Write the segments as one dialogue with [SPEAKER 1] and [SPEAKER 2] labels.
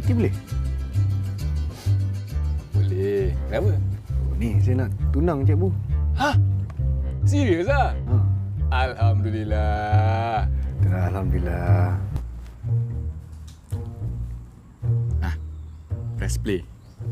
[SPEAKER 1] Pasti boleh?
[SPEAKER 2] Boleh. Kenapa?
[SPEAKER 1] Oh, ni saya nak tunang cikgu.
[SPEAKER 2] Hah? Serius ah?
[SPEAKER 1] Ha.
[SPEAKER 2] Alhamdulillah.
[SPEAKER 1] Alhamdulillah.
[SPEAKER 2] Press play.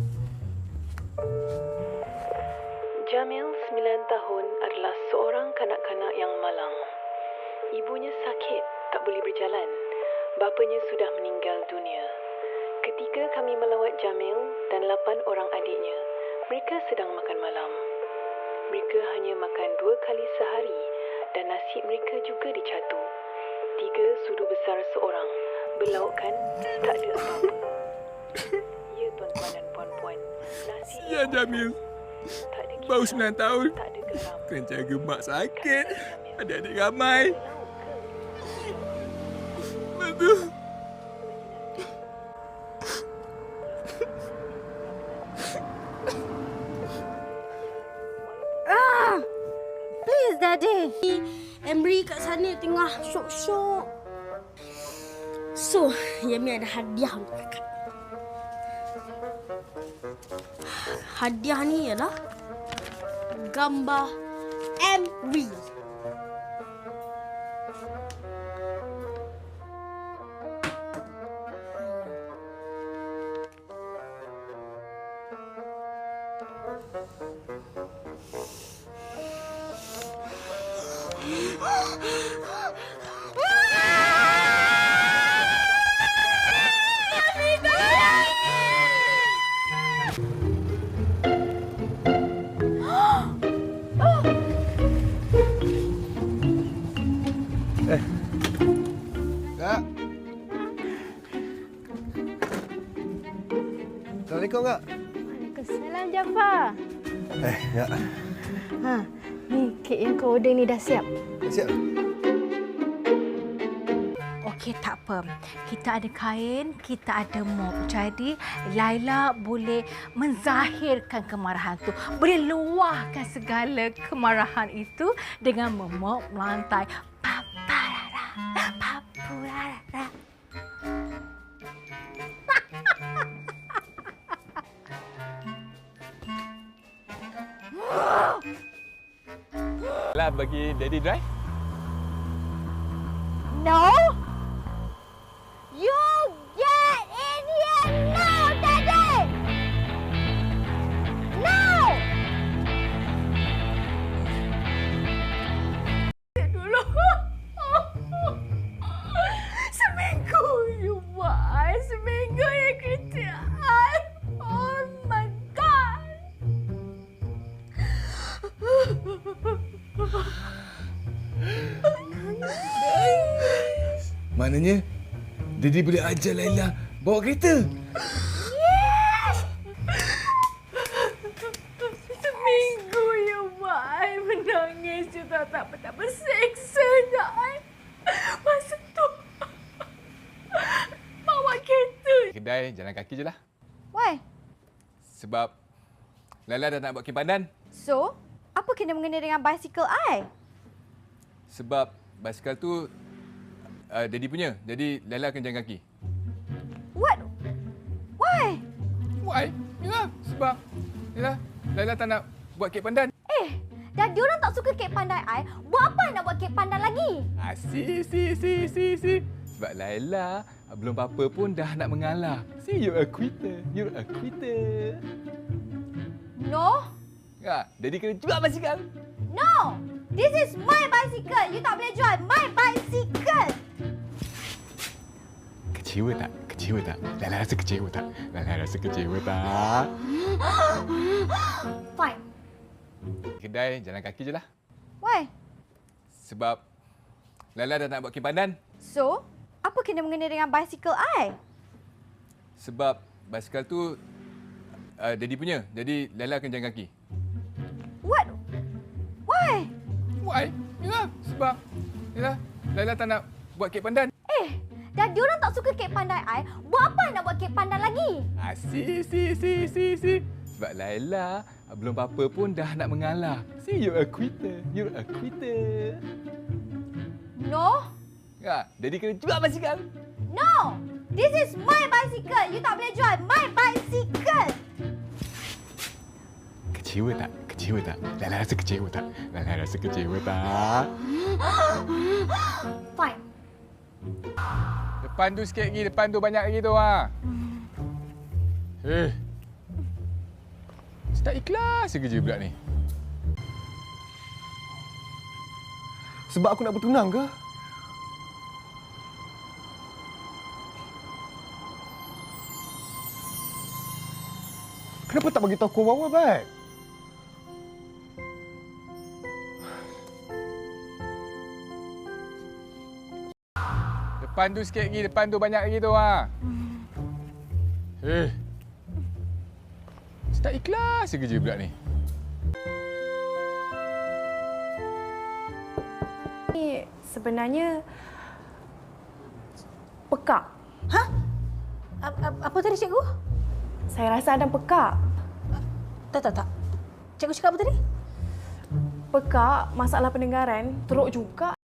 [SPEAKER 3] Jamil, 9 tahun, adalah seorang kanak-kanak yang malang. Ibunya sakit, tak boleh berjalan. Bapanya sudah meninggal dunia. Ketika kami melawat Jamil dan 8 orang adiknya, mereka sedang makan malam. Mereka hanya makan 2 kali sehari dan nasi mereka juga dicatu. 3 sudu besar seorang. Berlaukkan, tak ada apa-apa. Ya, tuan-tuan dan puan-puan. Nasi
[SPEAKER 2] Ya, Jamil.
[SPEAKER 3] tak ada
[SPEAKER 2] Baru
[SPEAKER 3] kisar,
[SPEAKER 2] 9 tahun.
[SPEAKER 3] tak ada geram.
[SPEAKER 2] Kena jaga mak sakit. Adik-adik ramai. Betul.
[SPEAKER 4] Please, Daddy. Emery kat sana tengah syok-syok. So, Yami ada hadiah untuk kakak. Hadiah ni ialah gambar Emery.
[SPEAKER 1] Kak. Assalamualaikum, Kak.
[SPEAKER 5] Waalaikumsalam, Jafar.
[SPEAKER 1] Ya.
[SPEAKER 5] Ha, ni kek yang kau order ni dah siap.
[SPEAKER 1] Dah siap?
[SPEAKER 6] Okey, tak apa. Kita ada kain, kita ada mop. Jadi, Laila boleh menzahirkan kemarahan tu. Boleh luahkan segala kemarahan itu dengan memop lantai. Paparara, papurara.
[SPEAKER 2] Lah bagi Daddy drive.
[SPEAKER 6] No! You get in here now, Daddy! Now! Dulu. Seminggu you buat. Seminggu you kritik I. Oh my God!
[SPEAKER 2] Maknanya Daddy boleh ajar Laila bawa kereta.
[SPEAKER 6] Seminggu you buat I menangis. You tahu tak betapa seksanya I. Masa tu bawa kereta.
[SPEAKER 2] Kedai jalan kaki je lah.
[SPEAKER 5] Why?
[SPEAKER 2] Sebab Laila dah nak buat kim pandan.
[SPEAKER 5] So, apa kena mengenai dengan basikal I?
[SPEAKER 2] Sebab basikal tu Daddy punya. Jadi Laila akan jalan kaki.
[SPEAKER 5] What? Why?
[SPEAKER 2] Why? Yalah, sebab Laila tak nak buat kek pandan.
[SPEAKER 5] Dah diorang tak suka kek pandai I. Buat apa I nak buat kek pandan lagi?
[SPEAKER 2] Si. Sebab Laila belum apa-apa pun dah nak mengalah. See, you're a quitter. You're a quitter.
[SPEAKER 5] No.
[SPEAKER 2] Ya, Daddy kena jual basikal.
[SPEAKER 5] No. This is my bicycle. You tak boleh jual my bicycle.
[SPEAKER 2] Kecewa tak? Kecewa tak? Laila rasa kecewa tak? Laila rasa kecewa tak?
[SPEAKER 5] Fine.
[SPEAKER 2] Kedai jalan kaki je lah.
[SPEAKER 5] Why?
[SPEAKER 2] Sebab Laila dah nak buat kim pandan.
[SPEAKER 5] So, apa kena mengenai dengan basikal I?
[SPEAKER 2] Sebab basikal tu Daddy punya. Jadi Laila akan jalan kaki.
[SPEAKER 5] What? Why?
[SPEAKER 2] Why? Yalah, sebab Laila tak nak buat kek pandan.
[SPEAKER 5] Dah diorang tak suka kek pandai I. Buat apa I nak buat kek pandan lagi?
[SPEAKER 2] Si. Sebab Laila belum apa-apa pun dah nak mengalah. See, you're a quitter. You're a quitter.
[SPEAKER 5] No.
[SPEAKER 2] Ya, Daddy kena jual basikal.
[SPEAKER 5] No. This is my bicycle. You tak boleh jual my bicycle.
[SPEAKER 2] Kecewa tak? Kecewa tak? Laila rasa kecewa tak? Laila rasa kecewa tak?
[SPEAKER 5] Fine.
[SPEAKER 2] Depan tu sikit lagi, depan tu banyak lagi tu ha. Tak ikhlas je kerja budak ni.
[SPEAKER 1] Sebab aku nak bertunang ke? Kenapa tak bagi tahu aku awal baik?
[SPEAKER 2] Depan tu sikit lagi, depan tu banyak lagi tu ha. Tak ikhlas je kerja budak ni.
[SPEAKER 7] Ni sebenarnya pekak.
[SPEAKER 6] Apa tadi cikgu?
[SPEAKER 7] Saya rasa ada pekak.
[SPEAKER 6] Tak. Cikgu cakap apa tadi?
[SPEAKER 7] Pekak, masalah pendengaran, teruk juga.